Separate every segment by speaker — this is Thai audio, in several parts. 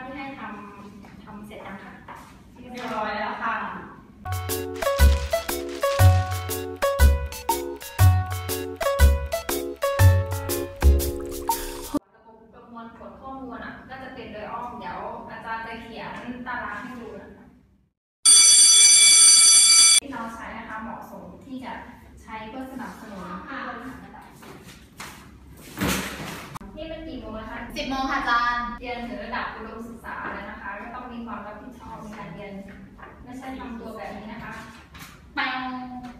Speaker 1: ที่ให้ทำเสร็จยังคะ
Speaker 2: เรียบร้อยแล้วค่ะ
Speaker 1: ประมวลผลข้อมูลก็จะเป็นโดยอ้อมเดี๋ยวอาจารย์จะเขียนตารางให้ดูนะคะที่เราใช้นะคะเหมาะสมที่จะใช้เพื่อสนับสนุนผู้บริหารระดับนี่เป็นกี่โมงนะคะ
Speaker 2: 10 โมงค่ะอาจารย์
Speaker 1: เรียนถึงระดับอุดมศึกษาแล้วนะคะก็ต้องมีความรับผิดชอบในการเรียนไม่ใช่ทำตัวแบบนี้นะคะแปง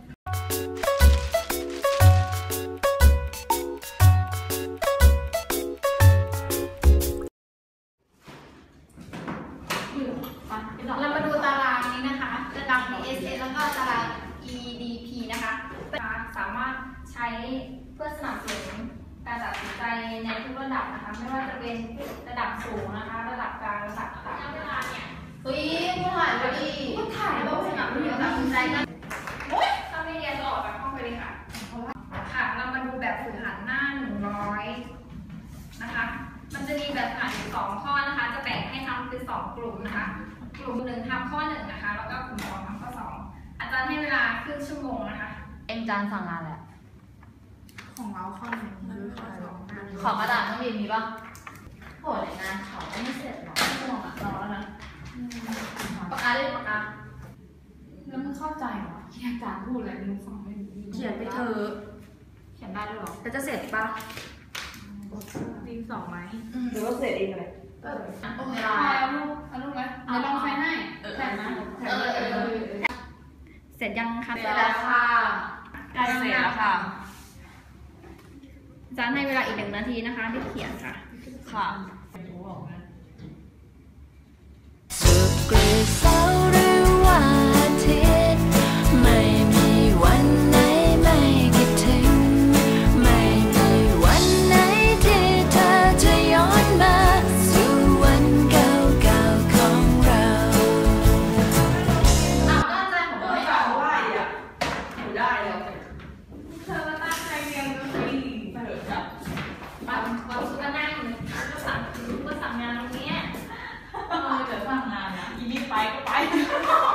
Speaker 1: เรามาดูตารางนี้นะคะตาราง DSS แล้วก็ตาราง EDP นะคะสามารถใช้เพื่อสนับสนุนการตัดสินใจในทุกระดับนะคะไม่ว่าจะเป็นระดับสูงนะคะระดับกลางระดับต่ำเวลาเนี่ย
Speaker 2: ผู้ถ่ายพอดี
Speaker 1: ผู้ถ่ายต้องสนับสนุนตัดสินใจกันถ้าไม่เรียนก็ออกจากห้องไปเลยค่ะค่ะเรามาดูแบบฝึกหัดหน้า100นะคะมันจะมีแบบฝึกหัดอยู่2ข้อนะคะจะแบ่งให้ทำเป็น2กลุ่มนะคะกลุ่ม1ทำข้อ1นะคะแล้วก็กลุ่ม2ทำข้อ2อาจารย์ให้เวลาครึ่งชั่วโมงนะคะ
Speaker 2: จานสั่งงานแหละ
Speaker 3: ของเราข้อหนึ่งหรือข้อสอง
Speaker 2: ขอกระดาษต้องมีป่ะโหรายงานเขาไม่เสร็จหรอกชั่วโมงรอแล้วนะปากกาเล่นปากกา
Speaker 3: แล้วมึงเข้าใจเหรอที่อาจารย์พูดอะไรมึงฟังไม่รู้
Speaker 2: เขียนไปเถอะ
Speaker 3: เขียนได้ด้วยหรอ
Speaker 2: แต่จะเสร็จป่ะ
Speaker 3: ดินสองไหม
Speaker 2: หรือว่าเสร็จเองเลย
Speaker 3: เอาลูกไหมเดี๋ยวลองไฟให้แถมนะ
Speaker 1: เสร็จยังคะ
Speaker 2: เสร็จแล้วค่ะ
Speaker 1: ใกล้เสร็จแล้วค่ะอาจารย์ให้เวลาอีก1 นาทีนะคะที่เขียนค่ะ
Speaker 2: ค่ะ
Speaker 4: ศุกร์เสาร์หรือวันอาทิตย์ไม่มีวันไหนไม่คิดถึงไม่มีวันไหนที่เธอจะย้อนมาสู่วันเก่าๆของเรา
Speaker 2: ตั้งใจผมไม่เอาไหวอยู่ได้แล้ว
Speaker 1: เธอตั้งใจเรียนก็คือ
Speaker 2: ไปเถอะจ้ะ
Speaker 1: เราก็นั่งก็สั่งงานตรงนี้
Speaker 2: เดี๋ยวสั่งงานนะอีนี่ไปก็ไป